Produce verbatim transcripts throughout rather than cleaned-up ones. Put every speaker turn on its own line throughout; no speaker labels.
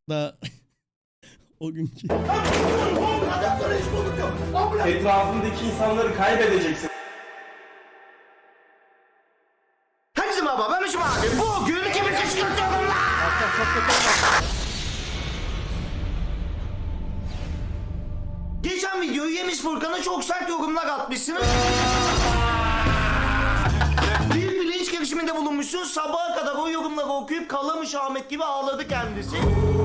Da o günkü.
Etrafındaki insanları kaybedeceksin.
Herkese merhaba, ben Mişim abi. Bugün kimi kışkırtıyorum lan? Geçen videoyu yemiş Furkan'a çok sert yorumlar atmışsınız. Bir bilinç girişiminde bulunmuşsunuz. Sabaha kadar o yorumları okuyup Kalamış Ahmet gibi ağladı kendisi.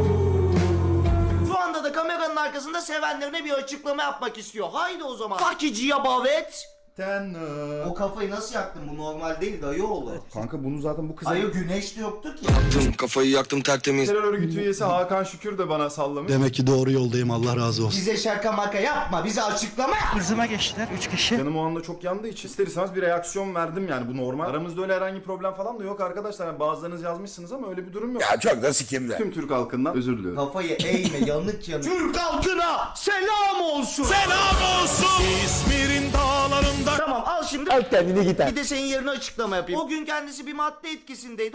Şu anda da kameranın arkasında sevenlerine bir açıklama yapmak istiyor. Haydi o zaman. Fakiciye bavet.
Ten.
O kafayı nasıl yaktın? Bu normal değil dayı oğlu.
Kanka bunu zaten bu kıza...
Hayır güneş de yoktu ki.
Yaktım kafayı yaktım tertemiz.
Terör örgütü üyesi Hakan Şükür de bana sallamış.
Demek ki doğru yoldayım, Allah razı olsun.
Bize şaka maka yapma, bize açıklama yap.
Hızıma geçtiler üç kişi.
Canım o anda çok yandığı için ister istemez bir reaksiyon verdim, yani bu normal. Aramızda öyle herhangi problem falan da yok arkadaşlar. Yani bazılarınız yazmışsınız ama öyle bir durum yok.
Ya çok da sikimde.
Tüm Türk halkından özür diliyorum.
Kafayı eğme, yanık yanık. Türk halkına selam olsun.
Selam olsun İzmir'in dağlarında.
Tamam al şimdi.
Al kendini git.
Bir de senin yerine açıklama yapayım. O gün kendisi bir madde etkisindeydi.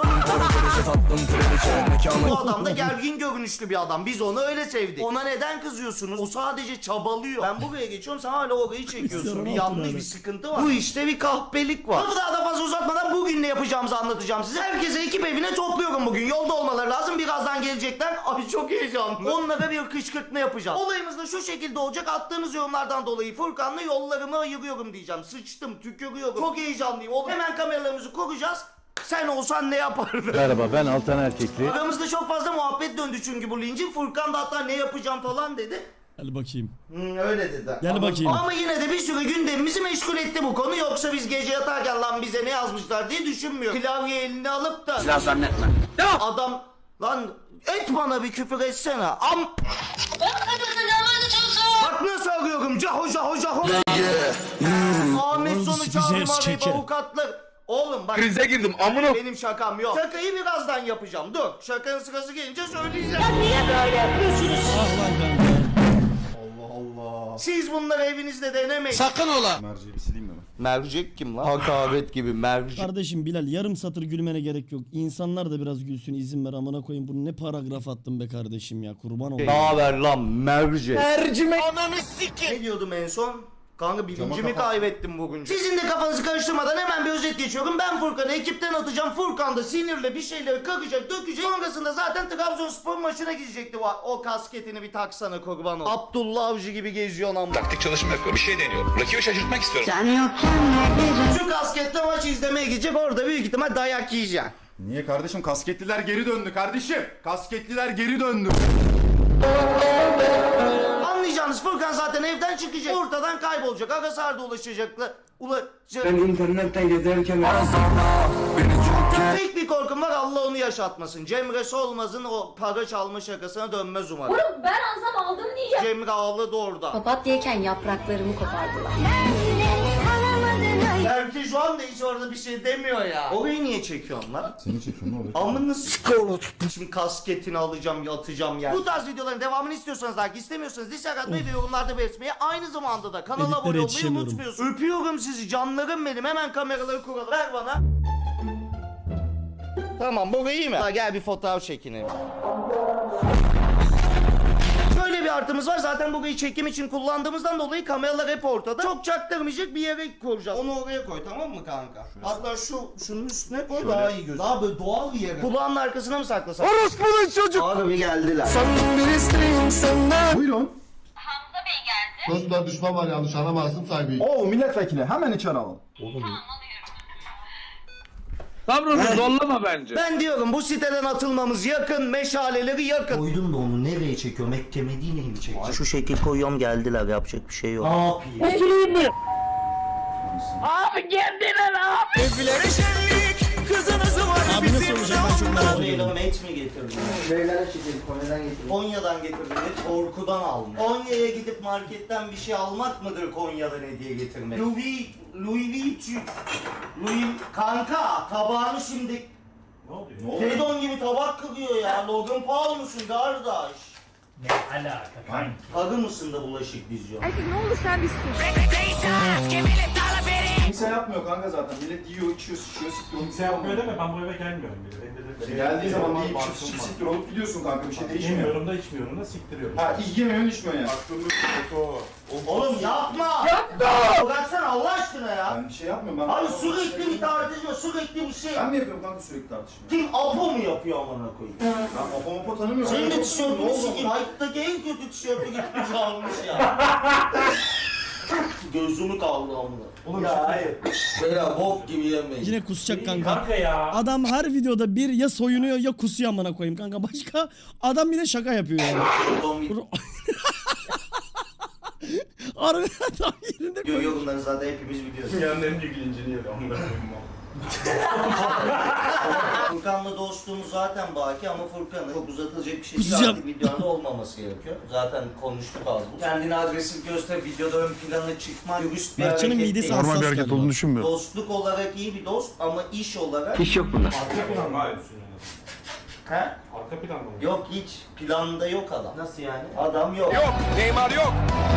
Bu adam da gergin görünüşlü bir adam. Biz onu öyle sevdik. Ona neden kızıyorsunuz? O sadece çabalıyor. Ben buraya geçiyorum, sen hala orayı çekiyorsun. Bir yanlış bir sıkıntı var. Bu işte bir kahpelik var. Lafı daha da fazla uzatmadan bugün ne yapacağımızı anlatacağım size. Herkese ekip evine topluyorum bugün. Yolda olmaları lazım. Birazdan gelecekler. Abi çok heyecanlı. Onlara bir kışkırtma yapacağım. Olayımız da şu şekilde olacak. Attığınız yorumlardan dolayı Furkan'la yollarımı ayırıyorum diyeceğim. Sıçtım, tükürüyorum. Çok heyecanlıyım oğlum. Hemen kameralarımızı kuracağız. Sen olsan ne yapardın?
Merhaba, ben Altan Erkekli.
Aramızda çok fazla muhabbet döndü çünkü bu lincin. Furkan da hatta ne yapacağım falan dedi.
Gel bakayım.
Hmm, öyle dedi.
Gel
ama,
bakayım.
Ama yine de bir sürü gündemimizi meşgul etti bu konu. Yoksa biz gece yatarken lan bize ne yazmışlar diye düşünmüyorum. Klavye eline alıp da...
Silah zannetme.
Adam... Lan et bana bir küfür etsene. Am... Bak nasıl arıyorum. Caho caho caho. Ahmet sonu
Bize
çağırma arayıp
çeker.
avukatlar. Oğlum bak.
Krize girdim amına.
Benim şakam yok. Şakayı birazdan yapacağım. Dur. Şakanın sırası gelince söyleyeceğim. Ya niye böyle yapıyorsunuz?
Ah lan kanka.
Allah Allah.
Siz bunları evinizde denemeyin.
Sakın ola.
Merceği bir sileyim mi ben?
Mercek kim lan? Hakaret gibi mercek.
Kardeşim Bilal yarım satır gülmene gerek yok. İnsanlar da biraz gülsün, izin ver amına koyayım. Bunu ne paragraf attın be kardeşim ya, kurban olayım.
Ne haber lan mercek?
Mercimek. Ananı sikin.
Ne diyordum en son? Kanka bilincimi
Cama kafa-
kaybettim bugün. Sizin de kafanızı karıştırmadan hemen bir özet geçiyorum. Ben Furkan'ı ekipten atacağım. Furkan da sinirle bir şeyleri kakacak, dökecek. Sonrasında zaten Trabzonspor maçına gidecekti. O kasketini bir taksana kurban ol. Abdullah Avcı gibi geziyor lan.
Taktik çalışma yapıyorum. Bir şey deniyorum. Rakibi şaşırtmak istiyorum.
Şu kasketle maç izlemeye gidecek. Orada büyük ihtimal dayak yiyeceksin.
Niye kardeşim? Kasketliler geri döndü kardeşim. Kasketliler geri döndü.
Anlayacağınız Furkan zaten evden çıkacak. Ortadan kaybolacak. Agasar'da ulaşacaklar. Ulaşacak.
internetten gezerken
Tek bir korkum var, Allah onu yaşatmasın. Cemre Solmaz'ın o para çalma şakasına dönmez umarım.
Oğlum ben alsam aldım diyeceğim.
Cemre ağladı orada.
Papatyayken yapraklarımı kopardılar.
Belki şu anda hiç orada bir şey demiyor ya. Orayı niye çekiyorsun lan?
Seni çekiyorum, ne oluyor?
Amını s***. Şimdi kasketini alacağım, atacağım yani. Bu tarz videoların devamını istiyorsanız, like istemiyorsanız dislike atmayı ve yorumlarda belirtmeyi, aynı zamanda da kanala
Editlere
abone olmayı
yetişemiyorum.
unutmuyorsunuz. Öpüyorum sizi canlarım benim. Hemen kameraları kuralım. Ver bana. Tamam, bu iyi mi? Ha, gel bir fotoğraf çekinelim. Şöyle bir artımız var. Zaten burayı çekim için kullandığımızdan dolayı kameralar hep ortada. Çok çaktırmayacak bir yere koyacağız. Onu oraya koy, tamam mı kanka? Hatta şu şunun üstüne koy, daha iyi gözüküyor. Daha böyle doğal bir yere. Kulağının arkasına mı saklasak?
Orospu'nun çocuk.
Abi geldiler.
Buyurun.
Dostlar düşman var, yanlış anlamazsın saygıyı.
Oo milletvekili, hemen içeri alalım.
Sabrını zorlama bence.
Ben diyorum bu siteden atılmamız yakın, meşaleleri yakın. Koydum da onu nereye çekiyorum? Ek Medine'yi mi çekeceğim? Şu şekil koyuyorum, geldiler, yapacak bir şey yok. Ne yapayım?
Abi geldiler abi. Evlere şenlik. Kızınızı var
Abi nasıl olacak, ben çok merak
Konya'dan
ediyorum.
met mi getirdin? Neylere çekelim, Konya'dan getirdim. Konya'dan getirdim, korkudan aldım. Konya'ya gidip marketten bir şey almak mıdır Konya'dan hediye getirmek? Louis, Louis Vuitton, Louis... Kanka, tabağını şimdi... Ne oluyor? Fedon gibi tabak kırıyor ya. Logan Paul musun kardeş?
Ne alaka kanki?
Arı mısın da bulaşık diziyorsun?
Erkek ne olur sen bir sus.
Kimse yapmıyor kanka zaten. Millet yiyor, içiyor, sıçıyor, sıkıyor.
Kimse yapmıyor deme, ben bu eve gelmiyorum bile. Bende de
Geldiği zaman
var,
yiyip
var,
çıp çıp
var.
siktir olup gidiyorsun kanka, bir şey değişmiyor.
Yemiyorum da içmiyorum da siktiriyorum.
Ha, yemiyorsun içmiyorsun yani.
Aklımda foto.
Oğlum yapma! Yapma! Bıraksana Allah aşkına ya!
Ben bir şey yapmıyorum. Ben
Abi sürekli bir tartışma, sürekli bir şey.
Ben mi yapıyorum kanka sürekli tartışma?
Kim Apo mu yapıyor amına koyayım?
Ben Apo Mapo tanımıyorum.
Senin de
Ben- Ne
tişörtünü
oldu?
sikeyim. Hayattaki en kötü tişörtü gitmiş almış ya. Gözümü kaldı amına.
Oğlum
Ya
şey-
hayır. Beyler bok gibi yemeyin.
Yine kusacak kanka.
Kanka ya.
Adam her videoda bir ya soyunuyor ya kusuyor amına koyayım kanka. Başka adam bir de şaka yapıyor yani. Harbiden tam yerinde koy.
Görüyor bunları zaten hepimiz biliyoruz.
Dünyanın en büyük lincini yedi. Ondan koyayım.
Furkan'la dostluğumuz zaten baki ama Furkan'ın çok uzatılacak bir şey değil.
Kusacağım.
Artık videoda olmaması gerekiyor. Zaten konuştuk az bu. Kendini agresif göster, videoda ön plana çıkma, dürüst bir
Mertcan'ın
hareket
midesi
değil.
hassas galiba.
düşünmüyorum.
Dostluk olarak iyi bir dost ama iş olarak...
İş yok bunda.
Arka plan mı yapıyorsun yani?
He?
Arka plan mı?
Yok hiç. Planda yok adam. Nasıl yani? Adam yok.
Yok. Neymar yok.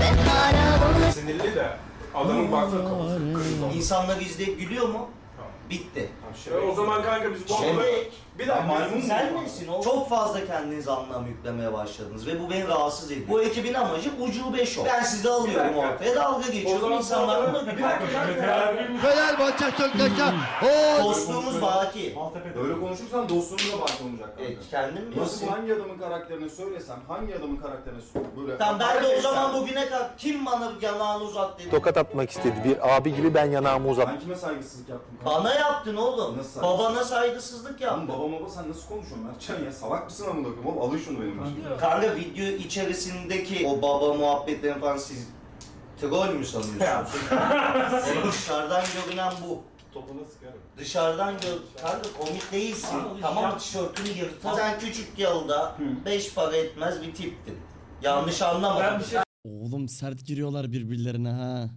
Sinirli de adamın baksana kafası kırmızı.
İnsanlar izleyip gülüyor mu? Bitti.
E, o zaman kanka biz bu adamı...
Şebek.
Bir dakika.
maymun
Sen
mu?
misin o? Çok fazla kendinize anlam yüklemeye başladınız ve bu beni rahatsız ediyor. Bu ekibin amacı ucube şov. Ben sizi alıyorum
dakika.
ortaya, dalga
O
geçiyorum.
zaman
İnsanlar da
bir
gülüyor.
dakika.
Fenerbahçe Tökteşen.
Dostluğumuz baki.
Maltepe'de.
Böyle konuşursan dostluğumuz da bak olacak kanka.
E, kendim mi?
Nasıl hangi adamın karakterini söylesem, hangi adamın karakterini böyle...
Tamam ben de o zaman bugüne kadar kim bana yanağını uzat dedi.
Tokat atmak istedi. Bir abi gibi ben yanağımı uzattım.
Ben kime saygısızlık yaptım kanka?
Bana yaptın oğlum.
Nasıl?
Babana saygısızlık
Oğlum
yaptın.
baba baba sen nasıl konuşuyorsun Mertcan ya? Salak mısın amına koyayım oğlum? Alın şunu benim başıma.
Kanka video içerisindeki o baba muhabbetlerini falan siz troll mü sanıyorsunuz? Oğlum dışarıdan görünen bu.
Topuna sıkarım.
Dışarıdan gör... Kanka komik değilsin. Tamam tişörtünü yırtar. Sen küçük yılda beş para etmez bir tiptin. Yanlış anlama.
Ben bir şey
Oğlum sert giriyorlar birbirlerine ha.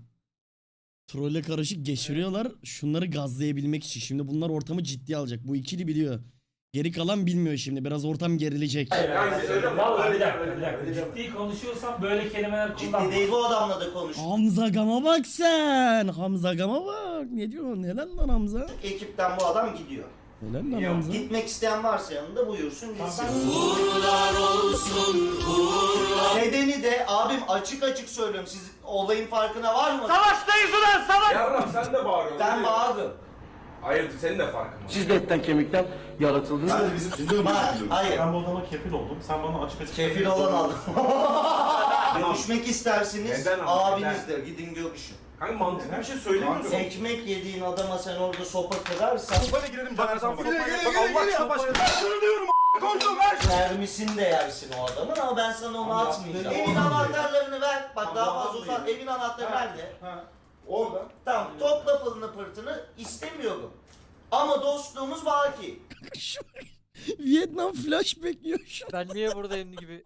Trolle karışık geçiriyorlar şunları gazlayabilmek için. Şimdi bunlar ortamı ciddiye alacak. Bu ikili biliyor. Geri kalan bilmiyor şimdi. Biraz ortam gerilecek.
Yani söyle
Vallahi bir dakika, bir dakika. Ciddi konuşuyorsam böyle kelimeler kullanma.
Ciddi değil bu adamla da konuş.
Hamza Gam'a bak sen. Hamza Gam'a bak. Ne diyorsun? Helal lan Hamza.
Ekipten bu adam gidiyor.
Helal lan Hamza.
Gitmek isteyen varsa yanında buyursun gitsin. Uğurlar olsun, uğurlar. Nedeni de abim açık açık söylüyorum. Siz olayın farkına var mı?
Savaştayız ulan savaş!
Yavrum sen de bağırıyorsun.
Ben bağırdım.
Hayır senin de farkın var.
Siz de etten kemikten yaratıldınız.
Sen de bizim bizim
Bak, hayır.
Ben bu adama kefil oldum. Sen bana açık açık...
Kefil olan adam. Görüşmek istersiniz
Neden ama,
abinizle gidin görüşün.
Kanka mantıklı bir şey söylemiyorsun.
Ekmek yediğin adama sen orada sopa kırarsan
Sopayla girelim Caner'den.
Gire, gire, gire, gire,
başka. Ben şunu diyorum a**. Kontrol ver.
mermisini de yersin o adamın ama ben sana onu atmayacağım. Evin anahtarlarını ver. Bak daha fazla uzat. Evin anahtarı nerede?
Ha. Orada.
Tamam topla pılını pırtını istemiyorum. Ama dostluğumuz baki.
Şu Vietnam flashback yiyor şu.
Ben niye buradayım gibi.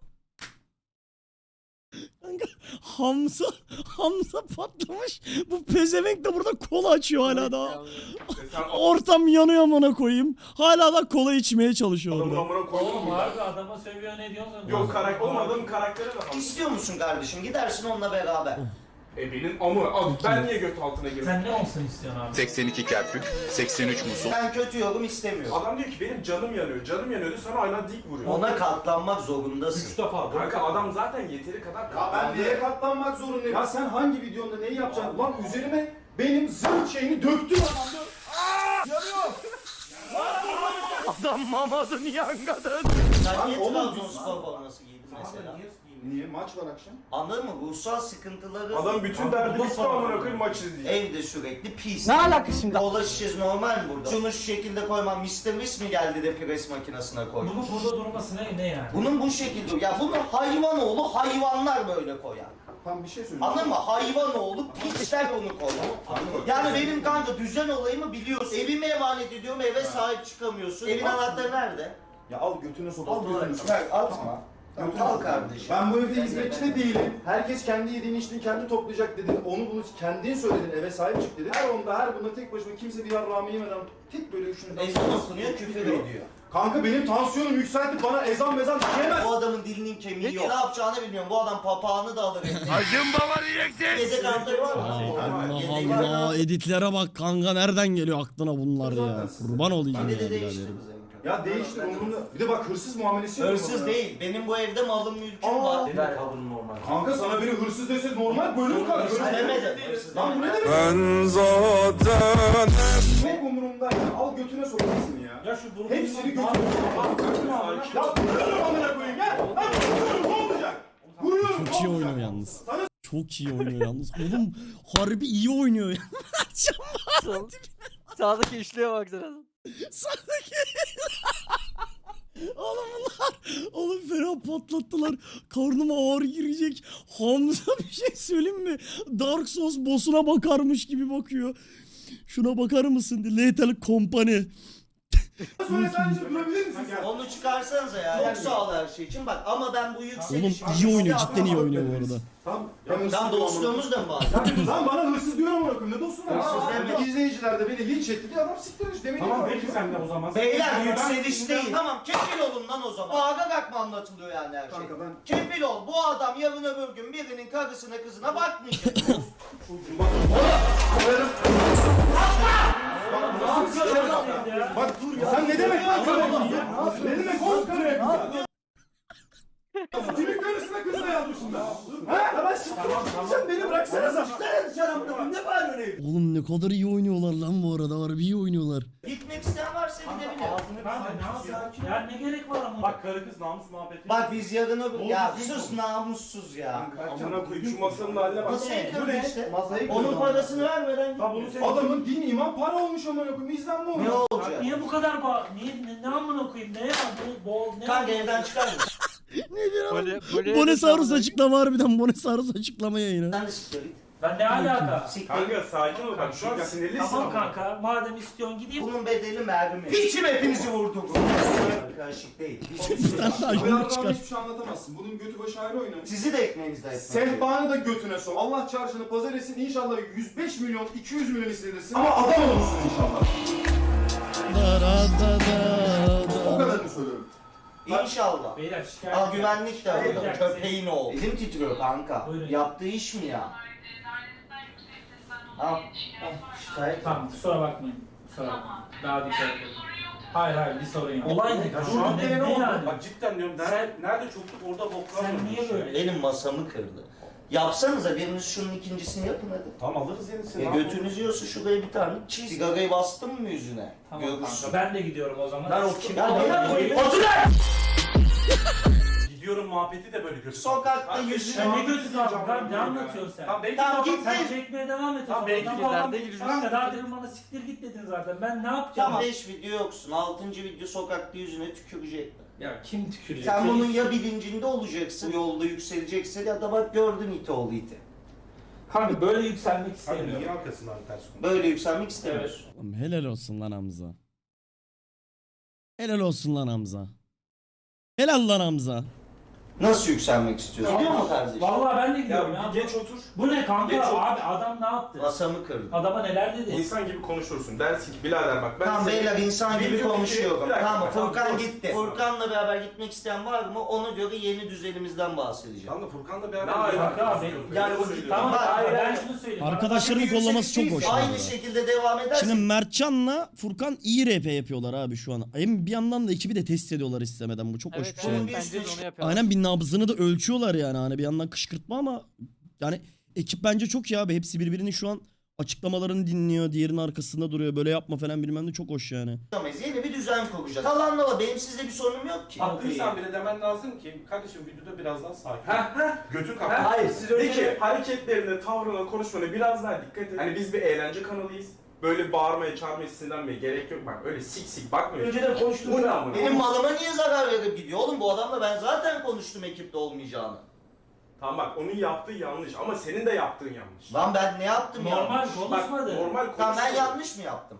Kanka Hamza Hamza patlamış. Bu pezevenk de burada kola açıyor hala daha. Ortam yanıyor amına koyayım. Hala da kola içmeye çalışıyor
Adamın
orada.
amına koyalım
Oğlum
mı?
harbi adama sövüyor ne diyorsun?
Yok karakter. Oğlum adamın karakteri de var.
İstiyor musun kardeşim? Gidersin onunla beraber.
E benim amı. Abi ben niye göt altına girdim?
Sen ne olsun istiyorsun abi?
seksen iki Kerkük, seksen üç Musul.
Ben kötü yorum istemiyorum.
Adam diyor ki benim canım yanıyor. Canım yanıyordu sana hala dik vuruyor.
Ona katlanmak zorundasın.
Üç defa. Kanka adam zaten yeteri kadar
Ya ben
katlandı.
neye katlanmak zorundayım? Ya sen hangi videonda neyi yapacaksın? Lan üzerime benim zırh şeyini döktün adam.
Adam Mamad'ın yangadan. Sen niye
oğlum,
Trabzonspor forması giydin mesela?
Niye? Maç var akşam.
Anladın mı? Ruhsal sıkıntıları...
Adam bütün derdi bitti amına koyayım maç izleyecek.
Evde sürekli pis.
Ne alaka şimdi?
Kola şişesi normal mi burada? Şunu şu şekilde koymam. mister Whis mi geldi de pres makinesine koydu?
Bunun burada durması ne, ne yani?
Bunun bu şekilde... Ya bunu hayvanoğlu hayvanlar böyle koyar.
Tam bir şey söyleyeyim.
Anladın mı? Hayvanoğlu pisler onu koyar. Yani benim kanka düzen olayımı biliyorsun. Evime emanet ediyorum, eve sahip çıkamıyorsun. Evin anahtarı nerede?
Ya al götüne sok. Al
Al
götüne sok.
Ver, atma. Tamam, al kardeşim.
Ben bu evde hizmetçi de değilim. Herkes kendi yediğini içtiğini kendi toplayacak dedin. Onu bunu kendin söyledin. Eve sahip çık dedin. Her onda her bunda tek başıma kimse bir yarrağımı yemeden tek böyle üçünü...
Ezan okunuyor, küfür ediyor.
Kanka benim tansiyonum yükseltip bana ezan mezan diyemez.
Bu adamın dilinin kemiği yok. Ne yapacağını bilmiyorum. Bu adam papağanı da alır.
Acım baba diyeceksin.
Yedek anahtarı var mı?
Allah Allah, editlere bak kanka, nereden geliyor aklına bunlar ya? Kurban olayım ya
Yine de değişti
biraderim.
bize.
Ya değiştir umurumda. Bir de bak hırsız muamelesi yapıyor
Hırsız
bana.
değil. Benim bu evde malım mülküm
Aa.
var.
Kanka sana biri hırsız dese normal bölüm kanka.
Hırsız demedim.
Lan bu ne demek?
Ben zaten...
Çok umurumda ya. Al götüne sokarsın ya.
Ya şu durum
Hepsini götüne sokarsın. Ya vuruyorum amına koyayım ya. Lan vuruyorum ne olacak? Vuruyorum
Çok iyi
ne
oynuyor
olacak?
yalnız. Çok iyi oynuyor yalnız. Oğlum harbi iyi oynuyor ya.
Sağdaki üçlüye baksana.
Sağdaki. Oğlum bunlar. Oğlum fena patlattılar. Karnıma ağır girecek. Hamza bir şey söyleyeyim mi? Dark Souls boss'una bakarmış gibi bakıyor. Şuna bakar mısın? Lethal Company.
Sonra sadece durabilir misin sen?
Onu çıkarsanıza ya. Çok sağ ol her şey için. Bak ama ben bu
Oğlum
yükselişim...
iyi oynuyor. Cidden iyi oynuyor bu arada.
Tamam. Ben hırsız
Lan
diyorum
dostluğumuz da mı var?
ona. Lan bana hırsız diyorum amına koyayım. Ne dostum var?
Hırsız
Aa,
deme.
İzleyiciler de beni linç etti diye adam siktirmiş. Demek ki
Tamam
var.
peki sen de o zaman.
Beyler yükseliş değil. Tamam kefil olun lan o zaman. Bağırarak mı anlatılıyor yani her şey?
Kanka ben...
Kefil ol. Bu adam yarın öbür gün birinin karısına kızına bakmayacak.
Bak dur ya. Sen ne demek lan? Ne demek oğlum karıya kıza? Kimin karısına kızına yazmışım ben? Ha? Ya ben siktirmişim. Sen beni bıraksana sen.
Ne var öyle?
Oğlum ne kadar iyi oynuyorlar lan bu arada. Harbi iyi oynuyorlar.
Gitmek isteyen varsa gidebilir.
Kanka ne yapayım? Ya ne gerek var ama?
Bak karı kız namus muhabbeti.
Bak biz yarın öbür... Ya sus namussuz ya.
Amına koyayım şu masanın haline bak.
Nasıl
Bu ne işte? Masayı
Onun
kırdım.
parasını vermeden git.
Lan bunu sen...
Adamın din iman para olmuş amına koyayım. İzlen mi
Ne
olmuş?
olacak?
Niye bu kadar ba... Niye ne, ne amına koyayım? Ne ya? Bu bol ne?
Kanka evden çıkar mısın?
Ne diyor
Böyle,
lan?
böyle
Bonesaurus açıklama harbiden. Bonesaurus açıklama yayını.
Sen de siktir git.
Ben ne alaka?
Siktir git.
Kanka sakin ol bak şu an sinirlisin.
Tamam kanka. Madem istiyorsun gideyim.
Bunun bedeli mermi. Piçim hepinizi vurdum. Karışık değil.
Bir tane daha
Bu
yumruk
yarrağımı
çıkar.
hiçbir şey anlatamazsın. Bunun götü başı ayrı oynar.
Sizi de ekmeğinizde etmez.
Sehpanı da götüne sok. Allah çarşını pazar etsin. İnşallah yüz beş milyon, iki yüz milyon hissedirsin. Ama adam olursun inşallah.
Da da da da
O
da.
kadarını söylüyorum.
İnşallah.
Beyler şikayet.
Al güvenlik de
Beyler,
arada. Köpeğin oğlu. Elim titriyor kanka.
Buyurun.
Yaptığı iş mi ya? Al. Şikayet.
Tamam kusura bakmayın. Kusura bakmayın. Daha dikkat edin. Hayır hayır bir sorun yok. Olay ne?
Ya
Şu
şu
an
an
ne,
ne
ne
oldu?
yani?
Bak cidden diyorum nerede, nerede çokluk orada boklar
Sen
var.
niye böyle?
Benim masamı kırdı. Yapsanıza biriniz şunun ikincisini yapın hadi.
Tamam alırız yenisini.
Ya götünüz yiyorsa şuraya bir tane çiz. Sigarayı bastın mı yüzüne?
Tamam
Görürsün.
kanka ben de gidiyorum o zaman.
Ben o kim? Ya
Amına
ne
koyayım.
Otur lan!
Gidiyorum muhabbeti de böyle kötü.
Sokakta
Kanka,
yüzüne...
Ya ne götü kaldı lan? Ne anlatıyorsun sen?
Tamam belki
Tamam,
de
git
sen
lan.
Sen çekmeye devam et o
Tamam,
zaman.
belki
Ben
de
falan-
nerede gideceğiz?
Kanka daha demin bana siktir git dedin zaten. Ben ne yapacağım?
Tamam beş video yoksun. altıncı video sokakta yüzüne tükürecekler.
Ya kim tükürecek?
Sen bunun ya bilincinde olacaksın, yolda yükseleceksin ya da bak gördün iti oğlu iti.
Kanka böyle yükselmek
Kanka
istemiyorum.
niye arkasından ters konu?
Böyle yükselmek istemiyorsun.
Oğlum helal olsun lan Hamza. Helal olsun lan Hamza. Helal lan Hamza.
Nasıl yükselmek istiyorsun? Gidiyor mu kardeşim?
Vallahi ben de gidiyorum ya.
Ya bir geç otur.
Bu ne kanka?
Geç otur.
Abi adam ne yaptı?
Masamı kırdı.
Adama neler dedi?
İnsan gibi konuşursun. Dersin ki birader bak ben
Tamam
seni-
beyler insan gibi
Video-
konuşuyorum.
Bir dakika,
Tamam
tamam,
Furkan
dur.
gitti. Furkan'la beraber gitmek isteyen var mı? Ona göre yeni düzenimizden bahsedeceğim.
Tamam da Furkan'la
Ne
beraber...
alaka abi?
Yani o
Tamam
Bak,
hayır ben
ben-
şunu söyleyeyim.
Arkadaşlarını
Yüksek
kollaması çok
değil.
hoş.
Aynı
abi.
şekilde devam edersen
Şimdi Mertcan'la Furkan iyi R P yapıyorlar abi şu an. Hem bir yandan da ekibi de test ediyorlar istemeden. Bu çok hoş
Evet,
bir şey.
evet,
Bir
bence de
üstüne-
onu yapıyorlar.
Aynen bir nabzını da ölçüyorlar yani. Hani bir yandan kışkırtma ama yani ekip bence çok iyi abi. Hepsi birbirini şu an açıklamalarını dinliyor. Diğerinin arkasında duruyor. Böyle yapma falan bilmem ne çok hoş yani.
yapamayız. Yeni bir düzen kuracağız. Kalanla var. Benim sizde bir sorunum yok ki.
Haklıysan bile demen lazım ki kardeşim videoda biraz daha sakin. Heh heh. Götün kapat.
Hayır, siz öyle-
De ki hareketlerine, tavrına, konuşmana biraz daha dikkat et. Hani biz bir eğlence kanalıyız. Böyle bağırmaya, çağırmaya, sinirlenmeye gerek yok. Bak öyle sik sik bakmıyor.
Önceden konuştum.
Bu ne amına?
Benim malıma niye zarar verip gidiyor? Oğlum bu adamla ben zaten konuştum ekipte olmayacağını.
Tamam bak onun yaptığı yanlış ama senin de yaptığın yanlış.
Lan ben ne yaptım ya?
Normal
Bak
konuşmadı.
normal konuş.
Tamam ben yanlış mı yaptım?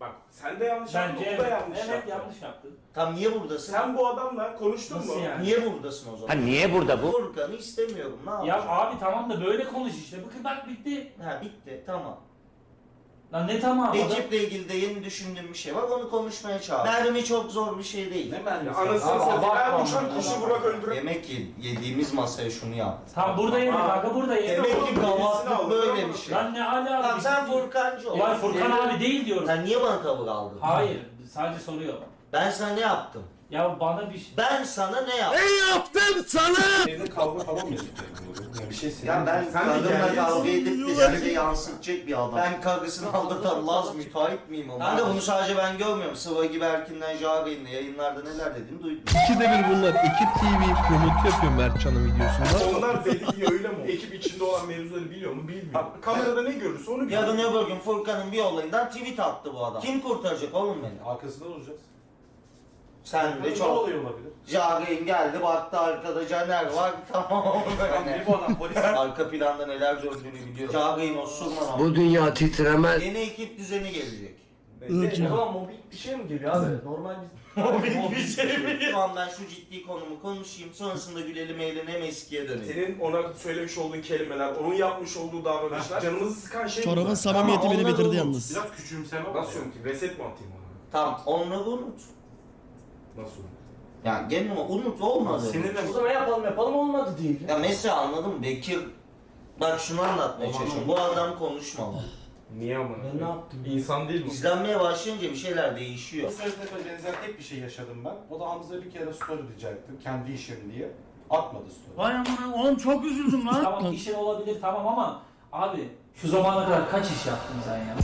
Bak sen de yanlış
Bence
yaptın, o da
evet,
yanlış
evet
yaptı.
yanlış yaptın.
Tam niye buradasın?
Sen bu adamla konuştun
Nasıl
mu?
yani?
Niye buradasın o zaman?
Ha niye burada bu?
Furkan'ı istemiyorum. Ne
Ya
yapacağım?
abi tamam da böyle konuş işte. Bakın bak bitti.
Ha bitti tamam.
Lan ne tamam adam.
Ekiple ilgili de yeni düşündüğüm bir şey var. Onu konuşmaya çağır. Mermi çok zor bir şey değil.
Ne ben
Ya anasını satayım. Her uçan kuşu Burak öldürür.
Demek ki yediğimiz masaya şunu yaptı.
Tam burada yedik kanka burada yedik.
Demek ki
Birisini
gavaklık
aldı,
böyle
tamam.
bir şey.
Lan ne ala
Tamam sen Furkancı ol.
Ya Furkan abi değil diyorum.
Sen niye bana tavır aldın?
Hayır sadece soruyor.
Ben sana ne yaptım?
Ya bana bir şey...
Ben sana ne yaptım?
Ne yaptım sana?
Evde kavga falan mı ettik? Ya bir şey
Ya ben
Sen de
kadınla
gerginsin.
kavga edip de size yansıtacak bir adam. Ben karısını aldatan Laz müteahhit miyim ama? Kanka bunu sadece ben görmüyorum. Sıva gibi Erkin'den Jari'nin yayınlarda neler dediğini duydum.
İkide bir bunlar. Ekip T V promote yapıyor Mertcan'ın videosunda.
Onlar dedi diye öyle mi? Ekip içinde olan mevzuları biliyor mu? Bilmiyor. Kamerada ne görürse onu biliyor.
Yarın öbür gün Furkan'ın bir olayından tweet attı bu adam. Kim kurtaracak oğlum beni?
Arkasında olacağız.
Sen de
Ne
çok.
oluyor olabilir?
Jari'nin geldi baktı arkada Caner var tamam.
Ne bu adam polis?
Arka planda neler döndüğünü biliyor. Jari'nin osurman ama.
Bu dünya titremez.
Yeni ekip düzeni gelecek.
Irkçı.
O zaman mobil bir şey mi geliyor abi? Normal bir...
Mobil bir şey mi? Tamam ben şu ciddi konumu konuşayım. Sonrasında gülelim eğlenelim eskiye dönelim.
Senin ona söylemiş olduğun kelimeler, onun yapmış olduğu davranışlar canımızı sıkan şey
Çorabın
bunlar.
samimiyeti
Ama
beni
onları
bitirdi
unut.
yalnız.
Biraz küçümseme var.
Nasıl unutayım? Reset mi atayım ona?
Tamam onları unut.
Nasıl unutayım?
Yani gene unut olmadı.
Seninle
O zaman yapalım yapalım olmadı değil.
Ya mesela anladın mı Bekir? Bak şunu anlatmaya çalışıyorum. Bu adam konuşmamalı.
Niye ama?
Ben ne yaptım?
İnsan değil mi?
İzlenmeye başlayınca bir şeyler değişiyor.
Bu sefer benzer tek bir şey yaşadım ben. O da Hamza bir kere story diyecektim. Kendi işim diye. Atmadı story.
Vay amına oğlum çok üzüldüm lan. Tamam işin olabilir tamam ama abi şu zamana kadar kaç iş yaptın sen ya?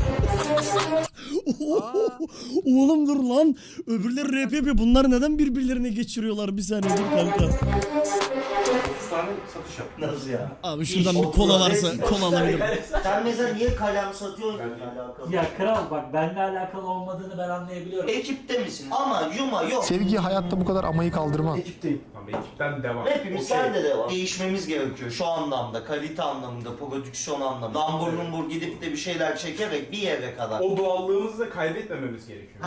Oğlum dur lan. Öbürleri rap yapıyor. Bunlar neden birbirlerine geçiriyorlar? Bir saniye dur kanka.
otuz tane satış yaptım.
Nasıl ya?
Abi şuradan
İş
bir kola
oldu.
varsa
Resmi
kola alabilirim.
Sen mesela niye kalem satıyorsun ki alakalı?
Ya kral bak benimle alakalı olmadığını ben anlayabiliyorum.
Ekipte misin? Ama yuma yok.
Sevgi hayatta bu kadar amayı kaldırmaz.
Ekipteyim.
Tamam ekipten devam.
Hepimiz
Okey.
sende de var. Değişmemiz gerekiyor şu anlamda, kalite anlamında, prodüksiyon anlamında. Lambur lumbur gidip de bir şeyler çekerek bir yere kadar.
O doğallığımızı da kaybetmememiz gerekiyor.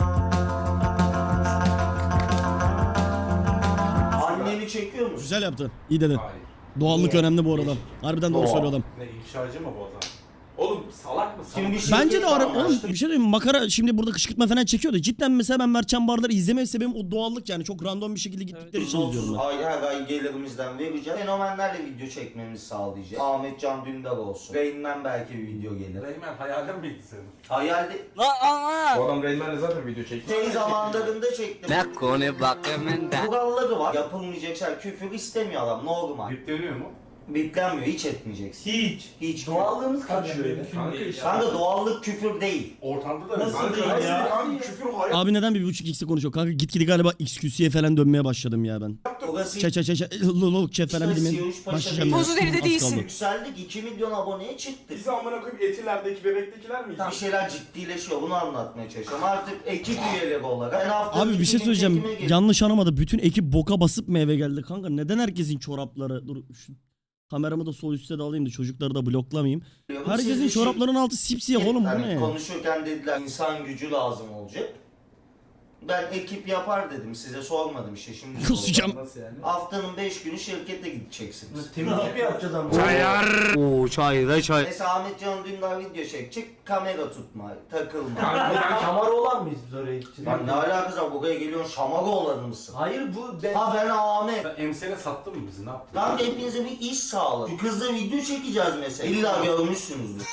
Anneni çekiyor musun?
Güzel yaptı. İyi dedin.
Hayır.
Doğallık
Niye?
önemli bu arada. Harbiden doğru
Doğa.
söylüyor adam.
Ne ifşacı mı bu adam?
Oğlum salak mısın?
Şimdi bir şey
Bence de ara oğlum bir şey diyeyim mi? Makara şimdi burada kışkırtma falan çekiyordu. Cidden mesela ben Mertcan Bardar'ı izleme sebebim o doğallık yani. Çok random bir şekilde gittikleri için izliyorum ben.
Ay her ay gelirimizden vereceğiz. Fenomenlerle video çekmemizi sağlayacak. Ahmet Can Dündar olsun. Rain'den belki bir video gelir.
Reymen hayalin miydi senin?
Hayalde
Bu adam Reynmen'le zaten video çekti.
şey zamanlarında çektim.
Ne konu bakımında.
Kuralları var. Yapılmayacak şey. Küfür istemiyor adam. Normal.
Yükleniyor mu?
Biplenmiyor. Hiç etmeyeceksin.
Hiç.
Hiç.
Doğallığımız
kaçıyor ya.
Kanka işte.
Kanka doğallık küfür değil.
Ortamda da
Nasıl
Kanka,
değil
nasıl
ya?
Kanka küfür hayat.
Abi neden bir buçuk x'e konuşuyor? Kanka gitgide galiba X Q C'ye falan dönmeye başladım ya ben.
Orası
Çe çe çe çe lolok çe falan
İşte
bilmem.
Siyavuş Paşa
Başlayacağım
değil.
ben.
Buzul
Az kaldı.
yükseldik. iki milyon aboneye çıktık.
Biz amına koyup etilerdeki bebektekiler miyiz?
Bir şeyler ciddileşiyor. Bunu anlatmaya çalışıyorum. Artık ekip üyeleri olarak. Ben haftanın
Abi bir
iki
şey
gün
söyleyeceğim.
çekime geliyorum.
Yanlış anlamadı. Bütün ekip boka basıp mı eve geldi kanka? Neden herkesin çorapları... Dur şu kameramı da sol üstte de alayım da çocukları da bloklamayayım. Herkesin
Siz bir şey-
çoraplarının altı sipsiyah oğlum bu
Hani
ne?
konuşurken dediler insan gücü lazım olacak. Ben ekip yapar dedim. Size sormadım işte şimdi.
Kusacağım.
Nasıl yani?
Haftanın beş günü şirkete gideceksiniz.
Temizlik mi yapacağız ama?
Çayar. Oo çayda çay.
Mesela Ahmet Can Dündar video çekecek. Kamera tutma, takılma.
Şamar olan mıyız biz oraya gideceğiz?
Lan ne alakası var? Buraya geliyorsun şamaga olan mısın?
Hayır bu ben...
Ha ben Ahmet.
Sen emsene sattın mı bizi? Ne yaptın?
Lan hepinize bir iş sağladı. Şu kızla video çekeceğiz mesela. İlla görmüşsünüzdür.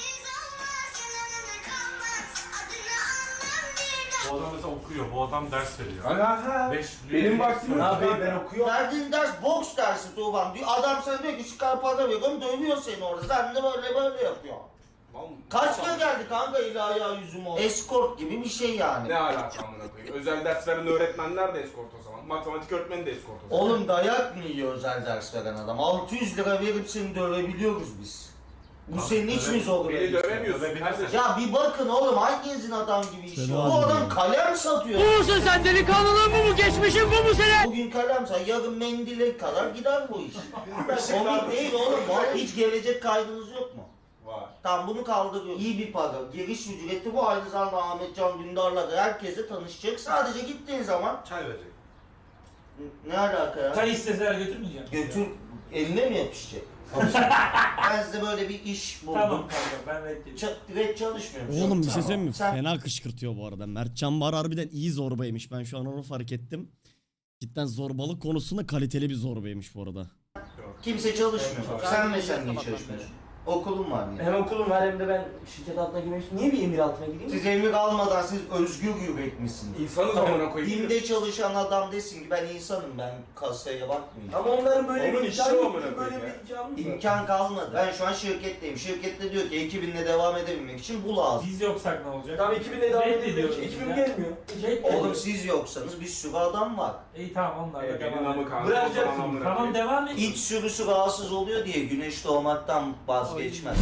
Bu adam mesela okuyor. Bu adam ders veriyor.
Aha.
Beş,
Benim vaktim yok.
Abi ben okuyorum.
Verdiğin ders boks dersi Tufan diyor. Adam sana diyor ki çıkar para veriyorum dövüyor seni orada. Sen de böyle böyle yapıyor. Kaç kere geldi kanka ilahi ya yüzüm o. Escort gibi bir şey yani.
Ne alaka amına koyayım? Özel ders veren öğretmenler de eskort o zaman. Matematik öğretmeni de eskort o zaman.
Oğlum dayak mı yiyor özel ders veren adam? altı yüz lira verip seni dövebiliyoruz biz. Bu senin hiç mi zor?
Beni dövemiyorsun. kardeşim.
Ya bir bakın oğlum hanginizin adam gibi işi
Fena
var? Bu
değil
adam
ya.
kalem satıyor.
Bu musun sen delikanlılığın bu mu? Geçmişin bu mu senin?
Bugün kalem sat, yarın mendile kadar gider bu iş. Komik değil oğlum. Vallahi hiç gelecek kaydınız yok mu?
Var.
Tamam bunu kaldırıyor. İyi bir para. Giriş ücreti bu. Aynı zamanda Ahmet Can Dündar'la da herkese tanışacak. Sadece gittiğin zaman
Çay verecek.
ne alaka ya?
Çay isteseler götürmeyeceğim.
Götür eline mi yapışacak? Ben size böyle bir iş buldum.
Tamam kanka ben reddediyorum.
Ç- direkt çalışmıyorum.
Oğlum bir şey
Tamam.
söyleyeyim mi?
Sen
Fena kışkırtıyor bu arada. Mertcan Bar harbiden iyi zorbaymış. Ben şu an onu fark ettim. Cidden zorbalık konusunda kaliteli bir zorbaymış bu arada.
kimse çalışmıyor.
Evet,
Sen mesela niye çalışmıyorsun? Okulun var niye?
Hem okulum var hem de ben şirket altına girmek istiyorum. Niye bir emir altına gireyim?
Siz emir almadan siz özgür yürek misiniz?
İnsanız amına koyayım.
Bim'de çalışan adam desin ki ben insanım, ben kasaya bakmayacağım.
Ama onların böyle
Onun
bir
işi
imkanı
o
yok.
amına
Böyle
koyayım ya.
bir imkanı yok.
İmkan kalmadı. Ben şu an şirketteyim. Şirkette diyor ki ekibinle devam edebilmek için bu lazım.
Biz yoksak ne olacak?
Tamam ekibinle devam
Reddediyoruz
ediyoruz. Ekibim
ya.
gelmiyor.
Oğlum siz yoksanız bir sürü adam var.
İyi tamam onlar da
Evet, benim
devam
namı
edelim.
kanka.
Bırakacaksın.
Amına
Tamam
koyayım.
devam et.
İç sürüsü rahatsız oluyor diye güneş doğmaktan vazgeçmez.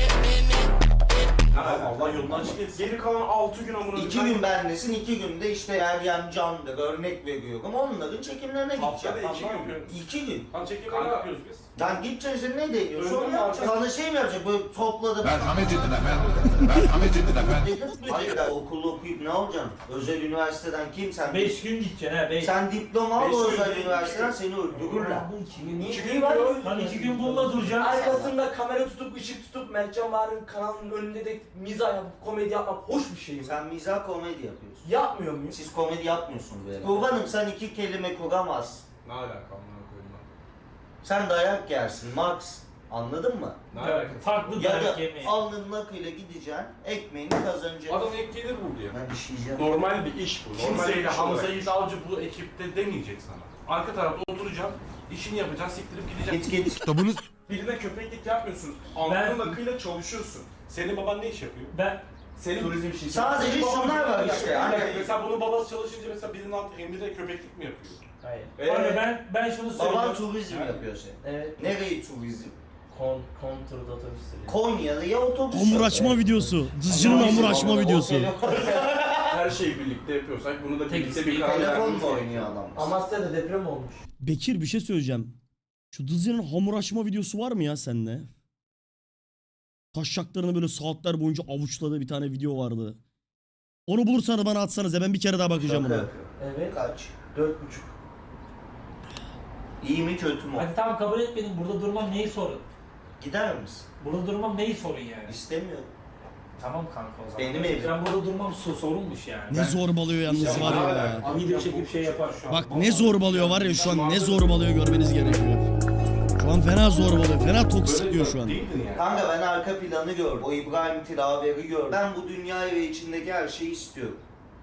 Allah yolundan çık. Geri kalan altı gün amına
İki gün bendesin, iki günde işte Meryem Can'dır, örnek veriyorum. Onların çekimlerine
Haftada
gideceğim.
iki gün.
İki gün.
Tam çekim ne yapıyoruz biz?
Lan gideceksin sen ne deniyorsun? Sonra
Önde
yapacaksın. Sana şey mi yapacak? Böyle topladı.
Merhamet edin efendim. Merhamet edin efendim.
Hayır ya okulu okuyup ne olacaksın? Özel üniversiteden kim sen?
beş gün gideceksin ha beş.
Sen diploma al
Beş
o
gün
özel
değil,
üniversiteden
iki
seni öldürürler.
Bu iki gün. Niye
İki
iki
gün
var?
diyor.
Lan iki gün bununla duracaksın.
Arkasında kamera tutup ışık tutup Mertcan Bahar'ın kanalının önünde de mizah yapıp komedi yapmak hoş bir şey mi?
Sen mizah komedi yapıyorsun.
Yapmıyor muyum?
Siz komedi yapmıyorsunuz böyle. Kurbanım sen iki kelime kuramazsın.
Ne alaka amına koyayım lan?
Sen dayak yersin Max. Anladın mı?
Ne
Evet,
alaka?
farklı
Ya
dayak
da
yemeği.
alnının akıyla gideceksin, ekmeğini kazanacaksın.
Adam ek gelir buldu ya.
Ben işeyeceğim.
Normal bir iş bu. Normal bir
Kimseyle
iş
Hamza
olarak.
Yiğit Avcı bu ekipte demeyecek sana. Arka tarafta oturacaksın, işini yapacaksın, siktirip gideceksin.
Git git.
Kitabınız
Birine köpeklik yapmıyorsun. Alnının akıyla çalışıyorsun.
Senin baban ne iş yapıyor?
Ben
Senin
Turizm şirketi.
Sadece
Senin baban-
şunlar var
Bir dakika,
işte,
bir dakika.
hani-
Mesela bunun babası çalışınca mesela birinin altı emride köpeklik mi yapıyor?
Hayır.
Ee,
Abi ben ben şunu
Baban
söylüyorum.
turizm yapıyor senin.
Evet.
Nereyi turizm?
Kon, konturda otobüs sürüyor.
Konya'da ya otobüs.
Hamur
yok.
açma videosu. Dızcının hamur açma
Ama
videosu.
o telefon-
her şeyi birlikte yapıyorsak bunu da
Tek
birlikte bir
isteği
karar
Telefon
vermemiz
mu
gerekiyor.
oynuyor adam?
Amasya'da deprem olmuş.
Bekir bir şey söyleyeceğim. Şu Dızcının hamur açma videosu var mı ya sende? Taşşaklarını böyle saatler boyunca avuçladığı bir tane video vardı. Onu bulursanız bana atsanız ya ben bir kere daha bakacağım
Şaka
ona.
yapıyor.
Evet.
Kaç?
Dört buçuk.
İyi mi kötü mü?
Hadi tamam kabul etmedim. Burada durmam neyi sorun?
Gider misin?
Burada durmam neyi sorun yani?
İstemiyorum.
Tamam kanka o zaman.
Benim evim.
Ben burada durmam so- sorunmuş yani.
Ne zorbalıyor yalnız var ya.
Video çekip şey yapar şu an.
Bak ne zorbalıyor var ya şu an ne zorbalıyor görmeniz gerekiyor. Şu an fena zorbalıyor. Fena toksikliyor şu an.
Değildin yani.
Kanka ben arka planı gördüm. O İbrahim Tilaveri gördüm. Ben bu dünyayı ve içindeki her şeyi istiyorum.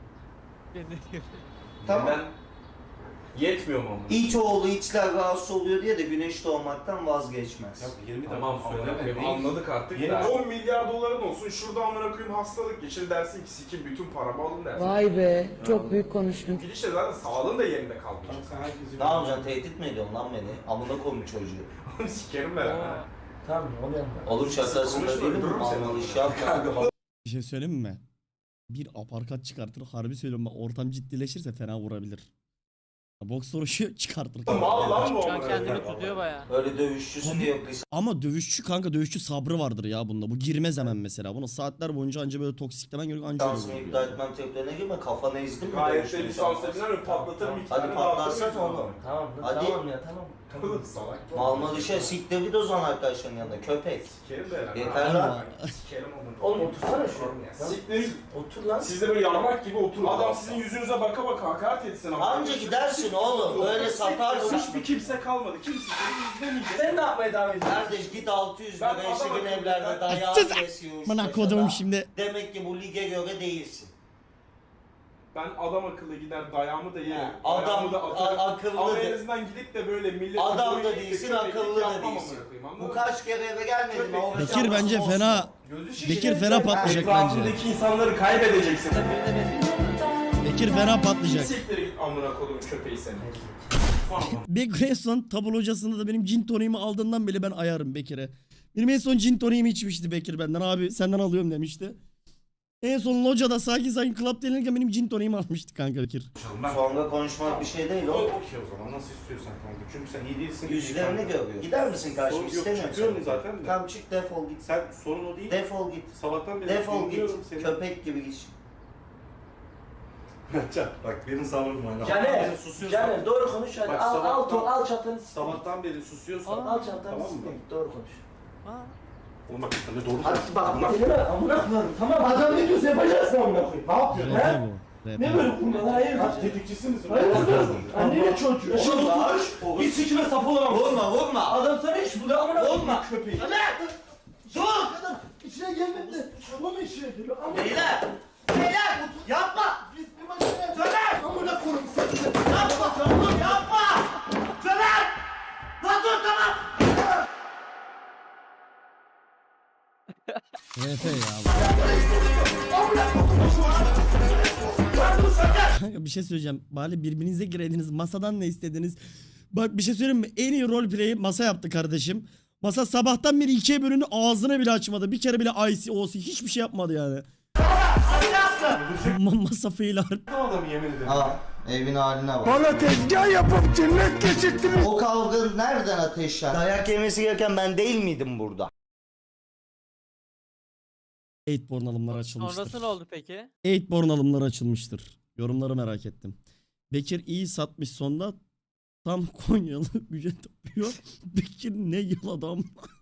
Tamam.
Ben yetmiyor mu ama?
İç oğlu içler rahatsız oluyor diye de güneş doğmaktan vazgeçmez.
Ya yirmi
Tamam
dakika
amına
söyleme.
koyayım,
Değil.
anladık artık
Yeni-
da. on milyar doların olsun şurada amına koyayım hastalık geçir dersin ki sikim bütün paramı alın dersin.
Vay be, çok büyük konuştun.
Gidişle zaten sağlığın da yerinde kalmayacak.
Sen herkesi
Ne yapacaksın? Tehdit mi ediyorsun lan beni? Amına koyayım çocuğu.
Sikerim ben ha.
Tamam ne oluyor?
Olur şakasında
Konuşma,
değil mi?
öldürürüm seni.
Anlalı iş yapma.
Bir şey söyleyeyim mi? Bir aparkat çıkartır. Harbi söylüyorum bak ortam ciddileşirse fena vurabilir. Boks vuruşu çıkartır.
Mal lan bu
Şu an
amına
kendini
koyayım.
tutuyor baya.
Öyle dövüşçüsü diye yok.
Ama dövüşçü kanka dövüşçü sabrı vardır ya bunda. Bu girmez hemen mesela. Bunu saatler boyunca anca böyle toksiklemen gerekiyor. Anca öyle
Lisansını
vuruyor.
iptal etmem tepkilerine girme. Kafanı ezdim mi?
Gayet
dövüşte
de lisans edilen ve patlatırım iki
Hadi
tane
patlatsana
dağıtırım.
oğlum.
Tamam
Hadi.
tamam ya tamam.
Oğlum salak.
Malma dışa siktir git o zaman arkadaşların yanında. Köpek.
Sikerim de herhalde.
Yeter lan.
Sikerim amına.
Oğlum otursana şu.
Siktir.
Otur lan.
Siz de böyle yarmak gibi oturun. Adam sizin yüzünüze baka baka hakaret etsin ama.
Anca gidersin oğlum. Böyle satarsın.
Hiçbir kimse kalmadı. Kimse seni izlemeyecek.
Sen ne yapmaya devam ediyorsun?
Kardeş git altı yüz
Ben
lira
adam
eşiğin
akıllı-
evlerde
ben-
dayağı
Sus!
kesiyor.
Bana kodum şimdi.
Demek ki bu lige göre değilsin.
Ben adam akıllı gider dayağımı da yerim.
Ha, adam
Dayağımı da atarım.
a- akıllı
Ama
de-
en azından gidip de böyle millet...
Adam da değilsin, akıllı da değilsin. Bu kaç kere eve gelmedin mi? O
Bekir
hesabı
bence
olsun.
fena.
Gözü şişecek.
Bekir fena patlayacak bence.
Etrafındaki insanları kaybedeceksin.
Bekir fena patlayacak.
Siktir git amına kodumun köpeği seni.
Bekir en son tablo hocasında da benim gin toniğimi aldığından beri ben ayarım Bekir'e. Benim en son gin toniğimi içmişti Bekir benden. Abi senden alıyorum demişti. En son locada sakin sakin club denirken benim gin toniğimi almıştı kanka Bekir.
Sonra konuşmak bir şey değil
O
o.
okey o zaman nasıl istiyorsan kanka. Çünkü sen iyi değilsin.
Yüzlerini görüyor. Gider misin karşıma?
Yok,
İstemiyorum
çıkıyorum
seni.
zaten de.
Tamam çık defol git.
Sen sorun o değil.
Defol git.
Sabahtan beri
Defol git.
dinliyorum seni.
Köpek gibi git.
Mertcan bak benim sabrım var.
Caner,
Susuyorsun.
Caner doğru konuş hadi.
Bak,
Al, al,
sabahtan-
ton, al çatanı s**.
Sabahtan beri susuyorsan.
Al çatanı
tamam mı?
s**. Doğru konuş.
Oğlum bak sen de doğru
Hadi
konuş.
bak
Amına-
elime amına koyarım tamam.
Adam ne diyorsa yapacaksın amına koyayım. Ne yapıyorsun
R P
he?
bu. R P.
Ne böyle kurmalar hayır.
Kaç tetikçisi misin?
Hayır annene çocuğu.
Yaşın
Oğlum,
oturmuş. Hiç sikime sap olamam.
Vurma vurma.
Adam sana hiç bu da amına koyayım.
Vurma.
Köpeği.
Dur.
Adam içine gelmedi de onun içine geliyor. Amına
Beyler. Beyler. Yapma.
biz bir maçına
Caner.
amına koyayım seni.
Yapma. Oğlum yapma. Caner. Lan dur tamam.
R P ya. Kanka bir şey söyleyeceğim. Bari birbirinize gireydiniz. Masadan ne istediniz? Bak bir şey söyleyeyim mi? En iyi roleplay'i masa yaptı kardeşim. Masa sabahtan beri ikiye bölündü. Ağzını bile açmadı. Bir kere bile I C O C hiçbir şey yapmadı yani. Ma masa fail art.
Adamı yemin ederim.
Aa, evin haline bak.
Bana tezgah yapıp cennet geçirttiniz.
O kavga nereden ateşlendi? Dayak yemesi gereken ben değil miydim burada?
Eightborn alımları açılmıştır.
Sonrası ne oldu peki?
Eightborn alımları açılmıştır. Yorumları merak ettim. Bekir iyi satmış sonda. Tam Konyalı ücret yapıyor. Bekir ne yıl adam.